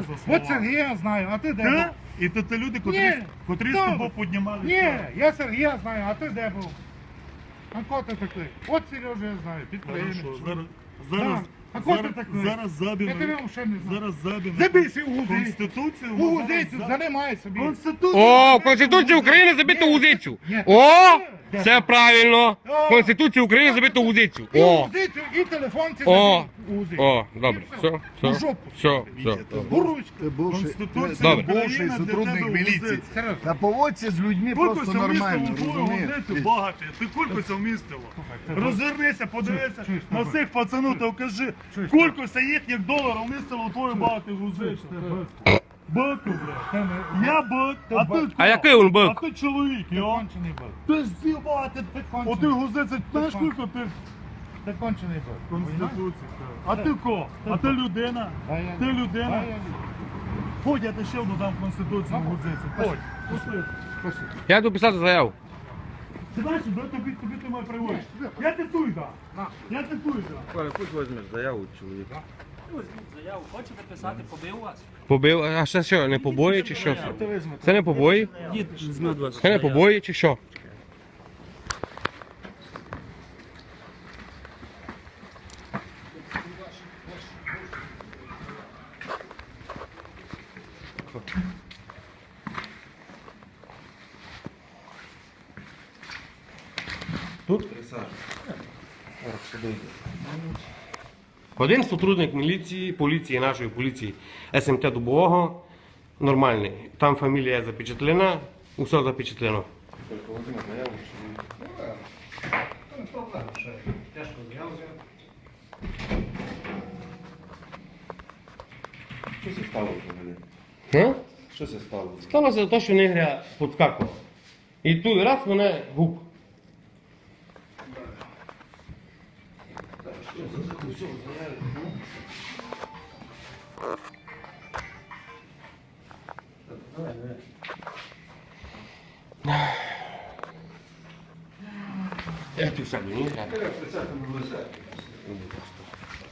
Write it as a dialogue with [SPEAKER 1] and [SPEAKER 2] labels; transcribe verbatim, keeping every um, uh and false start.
[SPEAKER 1] за слова.
[SPEAKER 2] От Сергія знаю, а ти де
[SPEAKER 1] Ти?
[SPEAKER 2] був?
[SPEAKER 1] І то ти люди, котрі,
[SPEAKER 2] Ні,
[SPEAKER 1] котрі з
[SPEAKER 2] хто
[SPEAKER 1] тобою
[SPEAKER 2] ви?
[SPEAKER 1] піднімали.
[SPEAKER 2] Ні, я Сергія знаю, а ти де був? А кого ти такий? От Сережа я знаю, підприємець.
[SPEAKER 1] Хорошо, зараз, зараз,
[SPEAKER 2] А кого ти
[SPEAKER 1] зараз,
[SPEAKER 2] такий?
[SPEAKER 1] зараз забіну,
[SPEAKER 2] Я тебе ще не знаю.
[SPEAKER 1] зараз забіну.
[SPEAKER 2] Забійся у гузицю.
[SPEAKER 1] Конституцію.
[SPEAKER 2] У
[SPEAKER 1] ми
[SPEAKER 2] гузицю,
[SPEAKER 1] зараз-
[SPEAKER 2] занимай собі.
[SPEAKER 1] Конституцію.
[SPEAKER 3] О, в Конституції України забито гузицю.
[SPEAKER 2] Ні.
[SPEAKER 3] О,
[SPEAKER 2] Де?
[SPEAKER 3] все правильно.
[SPEAKER 2] О.
[SPEAKER 3] В Конституції України забито гузицю.
[SPEAKER 2] І у
[SPEAKER 3] О,
[SPEAKER 2] гузицю, і телефон це
[SPEAKER 3] О.
[SPEAKER 2] забій у гузицю.
[SPEAKER 3] о, добре,
[SPEAKER 2] І
[SPEAKER 3] все,
[SPEAKER 2] У
[SPEAKER 3] все,
[SPEAKER 2] жопу.
[SPEAKER 3] все, все.
[SPEAKER 2] Буручка.
[SPEAKER 4] Ти бувший,
[SPEAKER 1] Конституція
[SPEAKER 4] ти-
[SPEAKER 3] Добре.
[SPEAKER 4] ти бувший
[SPEAKER 1] України для
[SPEAKER 4] сотрудник
[SPEAKER 1] тебе
[SPEAKER 4] міліції.
[SPEAKER 1] гузиця.
[SPEAKER 2] Сережа,
[SPEAKER 4] Та поводься з людьми
[SPEAKER 1] Кулькуся
[SPEAKER 4] просто
[SPEAKER 1] вмістило
[SPEAKER 4] нормально,
[SPEAKER 1] в твою
[SPEAKER 4] розумієш?
[SPEAKER 1] гузицю, багатий. Ти кулькуся вмістило.
[SPEAKER 2] ти-
[SPEAKER 1] Розвернися, подивися
[SPEAKER 2] чуєш,
[SPEAKER 1] на
[SPEAKER 2] ти-
[SPEAKER 1] всіх пацанів та вкажи.
[SPEAKER 2] Чуєш,
[SPEAKER 1] Кулькуся їхніх доларів вмістило в твою багату гузицю. Баку, блядь.
[SPEAKER 2] ти не-
[SPEAKER 1] Я бак, а ти
[SPEAKER 3] А який він бик?
[SPEAKER 1] А ти чоловік,
[SPEAKER 2] Ти
[SPEAKER 1] йо.
[SPEAKER 2] кончений був.
[SPEAKER 1] Ти з'їбати, ти
[SPEAKER 2] кончений.
[SPEAKER 1] Оти гузиця, знаєш
[SPEAKER 2] кончений.
[SPEAKER 1] скільки ти?
[SPEAKER 2] Ти кончений був.
[SPEAKER 1] Конституція. А ти ко? А ти людина?
[SPEAKER 2] А я
[SPEAKER 1] Ти
[SPEAKER 2] ні.
[SPEAKER 1] людина?
[SPEAKER 2] А я ні.
[SPEAKER 1] Ходь, я ти ще одну дам Конституцію на гузиці. Ходь. Пусти.
[SPEAKER 2] Пошли.
[SPEAKER 3] Я йду писати заяву.
[SPEAKER 1] Ти знаєш, де тобі, тобі ти має приводиш? Я ти туй да. Я ти туй да.
[SPEAKER 5] Коля, пусть візьмеш заяву чоловіка.
[SPEAKER 6] Заяву хочете писати, побив вас?
[SPEAKER 3] Побив, а ще що, не побої чи що? Це не побої?
[SPEAKER 6] Дід візьме вас.
[SPEAKER 3] Це не побої чи що? Один сотрудник міліції, поліції, нашої поліції ес ем те Дубового, нормальний. Там фамілія запечатлена, усе запечатлено.
[SPEAKER 5] Що це стало взагалі?
[SPEAKER 3] Га?
[SPEAKER 5] Що це стало?
[SPEAKER 3] Сталося те, що негря підскакував. І той раз мене гук. Як ти сам, ні?